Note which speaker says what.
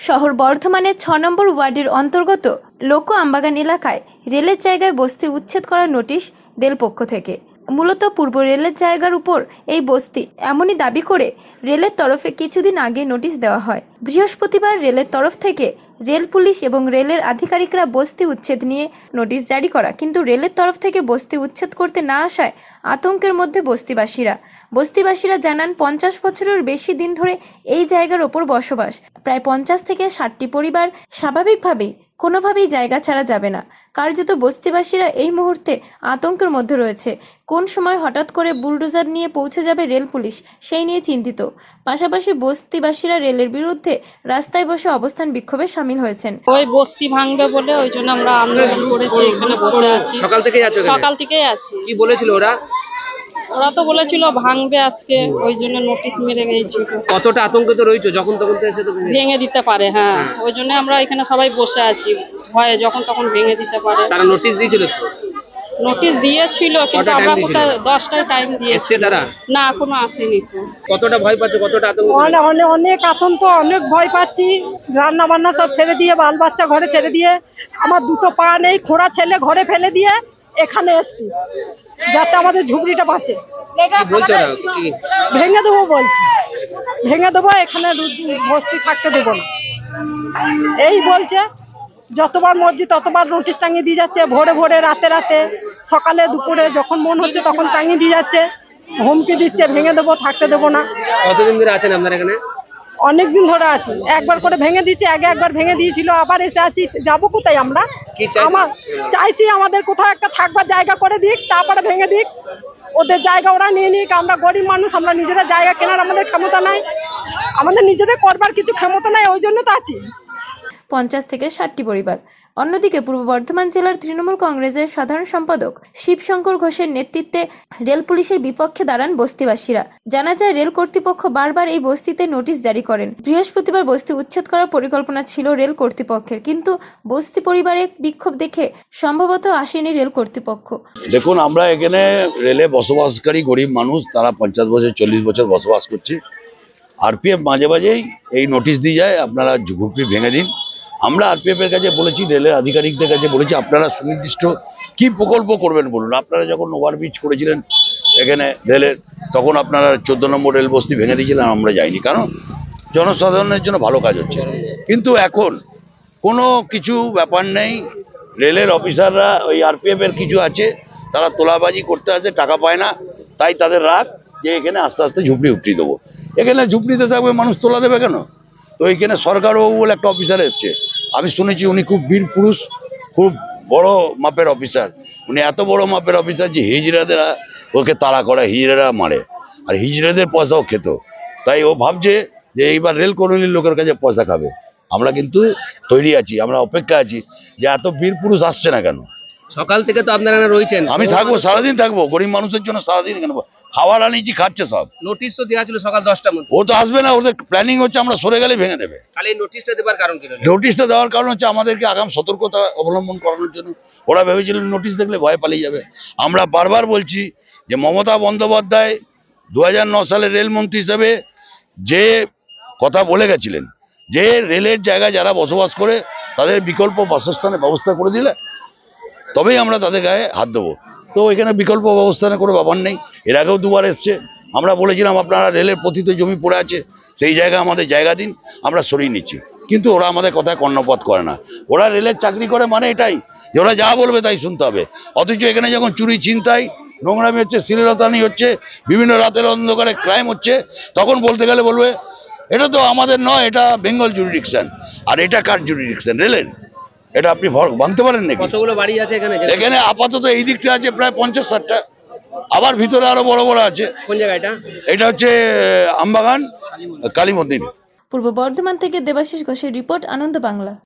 Speaker 1: শহর বর্ধমানের ৬ নম্বর ওয়ার্ডের অন্তর্গত লোক আমবাগান এলাকায় রেলের জায়গায় বস্তি উচ্ছেদ করার নোটিশ রেল পক্ষ থেকে। মূলত পূর্ব রেলের জায়গার উপর এই বস্তি এমনই দাবি করে রেলের তরফে কিছুদিন আগে নোটিশ দেওয়া হয়। বৃহস্পতিবার রেলের তরফ থেকে রেল পুলিশ এবং রেলের আধিকারিকরা বস্তি উচ্ছেদ নিয়ে নোটিশ জারি করা, কিন্তু রেলের তরফ থেকে বস্তি উচ্ছেদ করতে না আসায় আতঙ্কের মধ্যে বস্তিবাসীরা জানান ৫০ বছরের বেশি দিন ধরে এই জায়গার ওপর বসবাস। প্রায় ৫০ থেকে ৬০টি পরিবার স্বাভাবিকভাবেই কোনোভাবেই জায়গা ছাড়া যাবে না। কার্যত বস্তিবাসীরা এই মুহূর্তে আতঙ্কের মধ্যে রয়েছে। কোন সময় হঠাৎ করে বুলডোজার নিয়ে পৌঁছে যাবে রেল পুলিশ, সেই নিয়ে চিন্তিত। পাশাপাশি বস্তিবাসীরা রেলের বিরুদ্ধে রাস্তায় বসে অবস্থান বিক্ষোভে সামিল হয়েছেন।
Speaker 2: ওই বস্তি ভাঙবে বলে ওই জন্য আমরা আন্দোলন করেছি, এখানে বসে আছি।
Speaker 3: সকাল থেকেই আছো?
Speaker 2: সকাল থেকেই আছি।
Speaker 3: কি বলেছিল ওরা?
Speaker 2: ওরা তো বলেছিল ভাঙবে আজকে, ওই জন্য নোটিশ মেরে গেছিল।
Speaker 3: কতটা আতঙ্কিত রয়েছে? যখন তখন তো এসে তো
Speaker 2: ভেঙে দিতে পারে। হ্যাঁ, ওই জন্য আমরা এখানে সবাই বসে আছি, ভয়ে যখন তখন ভেঙে দিতে পারে।
Speaker 3: তারা নোটিশ দিয়েছিল?
Speaker 2: নোটিশ দিয়েছিল, কিন্তু আমরা কোথায় 10টায় টাইম দিয়েছি,
Speaker 3: তারা
Speaker 2: না এখনো আসেনি।
Speaker 3: কতটা ভয় পাচ্ছ? কতটা আতঙ্ক?
Speaker 4: অনেক আতঙ্ক, অনেক ভয় পাচ্ছি। রান্না বান্না সব ছেড়ে দিয়ে, বাল বাচ্চা ঘরে ছেড়ে দিয়ে, আমার দুটো পা নেই, খোঁড়া ছেলে ঘরে ফেলে দিয়ে এখানে এসছি যাতে আমাদের ঝুপড়িটা বাঁচে।
Speaker 3: বলছো না কি
Speaker 4: ভেঙে দেবো বলছে, ভেঙে দেবো, এখানে বস্তি থাকতে দেবো না এই বলছে। যতবার মর্জি ততবার নোটিশ টাঙিয়ে দিয়ে যাচ্ছে, ভোরে ভোরে, রাতে রাতে, সকালে দুপুরে, যখন মন হচ্ছে তখন টাঙিয়ে দিয়ে যাচ্ছে, হুমকি দিচ্ছে ভেঙে দেবো, থাকতে দেবো না।
Speaker 3: কতদিন ধরে আছেন আপনারা এখানে?
Speaker 4: অনেকদিন ধরে আছি। একবার করে ভেঙে দিচ্ছে, আগে একবার ভেঙে দিয়েছিল, আবার এসে আছি। যাবো কোথায় আমরা? আমার চাইছি আমাদের কোথাও একটা থাকবার জায়গা করে দিক, তারপরে ভেঙে দিক। ওদের জায়গা ওরা নিয়ে নিক। আমরা গরিব মানুষ, আমরা নিজেরা জায়গা কেনার আমাদের ক্ষমতা নাই, আমাদের নিজেদের করবার কিছু ক্ষমতা নাই, ওই জন্য তো আছি।
Speaker 1: ৫০ থেকে ৬০টি পরিবার। অন্যদিকে পূর্ব বর্ধমান জেলার তৃণমূল কংগ্রেসের সাধারণ সম্পাদক শিবশঙ্কর ঘোষের নেতৃত্বে রেল পুলিশের বিপক্ষে দাঁড়ান বস্তিবাসীরা। জানা যায়, রেল কর্তৃপক্ষ বারবার এই বস্তিতে নোটিশ জারি করেন। বৃহস্পতিবার বস্তি উচ্ছেদ করার পরিকল্পনা ছিল রেল কর্তৃপক্ষের, কিন্তু বস্তি পরিবারের বিক্ষোভ দেখে সম্ভবত আসেনি রেল কর্তৃপক্ষ।
Speaker 5: দেখুন, আমরা এখানে রেলে বসবাসকারী গরিব মানুষ, তারা ৫০ বছর ৪০ বছর বসবাস করছে। আরপিএফ মাঝে মাঝেই এই নোটিশ দিয়ে যায়, আপনারা ঝুপড়ি ভেঙে দিন। আমরা আরপিএফ এর কাছে বলেছি, রেলের আধিকারিকদের কাছে বলেছি, আপনারা সুনির্দিষ্ট কি প্রকল্প করবেন বলুন। আপনারা যখন ওভারব্রিজ করেছিলেন এখানে রেলের, তখন আপনারা 14 নম্বর রেল বস্তি ভেঙে দিয়েছিলেন, আমরা যাইনি, কারণ জনসাধারণের জন্য ভালো কাজ হচ্ছে। কিন্তু এখন কোনো কিছু ব্যাপার নেই, রেলের অফিসাররা ওই আরপিএফ এর কিছু আছে, তারা তোলাবাজি করতে আসে, টাকা পায় না, তাই তাদের রাগ যে এখানে আস্তে আস্তে ঝুপড়ি উঠিয়ে দেবো। এখানে ঝুপড়িতে থাকবে মানুষ, তোলা দেবে কেন? তো এইখানে সরকারবাবু বলে একটা অফিসার এসছে, আমি শুনেছি উনি খুব বীর পুরুষ, খুব বড় মাপের অফিসার। উনি এত বড় মাপের অফিসার যে হিজড়াদের ওকে তাড়া করে, হিজড়ারা মারে, আর হিজড়াদের পয়সাও খেত। তাই ও ভাবছে যে এইবার রেল কলোনির লোকের কাছে পয়সা খাবে। আমরা কিন্তু তৈরি আছি, আমরা অপেক্ষা আছি যে এত বীর পুরুষ আসছে না কেন।
Speaker 3: সকাল থেকে তো আপনারা রয়েছেন।
Speaker 5: আমি থাকবো, সারাদিন থাকবো, গরিব মানুষের জন্য সারাদিন কেন। খাবার আনিছি, খাচ্ছে সব।
Speaker 3: নোটিশ তো দেওয়া ছিল সকাল 10টার মধ্যে।
Speaker 5: ও তো আসবে না, ওদের প্ল্যানিং হচ্ছে আমরা সরে গেলে ভেঙে দেবে।
Speaker 3: তাহলে এই নোটিশটা দেবার কারণ কি?
Speaker 5: নোটিশটা দেওয়ার কারণ হচ্ছে আমাদেরকে আগাম সতর্কতা অবলম্বন করানোর জন্য। ওরা ভেবেছিলেন নোটিশ দেখলে ভয় পালিয়ে যাবে। আমরা বারবার বলছি যে মমতা বন্দ্যোপাধ্যায় 2009 সালে রেলমন্ত্রী হিসেবে যে কথা বলে গেছিলেন, যে রেলের জায়গায় যারা বসবাস করে তাদের বিকল্প বাসস্থানের ব্যবস্থা করে দিলে তবেই আমরা তাদের গায়ে হাত দেবো। তো এখানে বিকল্প ব্যবস্থানের কোনো ব্যাপার নেই। এর আগেও দুবার এসছে, আমরা বলেছিলাম আপনারা রেলের পতিত জমি পড়ে আছে, সেই জায়গায় আমাদের জায়গা দিন, আমরা সরিয়ে নিচ্ছি। কিন্তু ওরা আমাদের কথায় কর্ণপাত করে না। ওরা রেলের চাকরি করে মানে এটাই যে ওরা যা বলবে তাই শুনতে হবে। অথচ এখানে যখন চুরি, ছিনতাই, নোংরামি হচ্ছে, শ্লীলতাহানি হচ্ছে, বিভিন্ন রাতের অন্ধকারে ক্রাইম হচ্ছে, তখন বলতে গেলে বলবে এটা তো আমাদের নয়, এটা বেঙ্গল জুরিডিকশন। আর এটা কার জুরিডিকশন? রেলের। এটা আপনি ভাঙতে পারেন নাকি?
Speaker 3: কতগুলো বাড়ি আছে এখানে?
Speaker 5: এখানে আপাতত এই দিকটা আছে প্রায় 50-60টা, আবার ভিতরে আরো বড় বড় আছে।
Speaker 3: কোন জায়গা এটা?
Speaker 5: এটা হচ্ছে আমবাগান, কালী মন্দির।
Speaker 1: পূর্ব বর্ধমান থেকে দেবাশিস ঘোষের রিপোর্ট, আনন্দ বাংলা।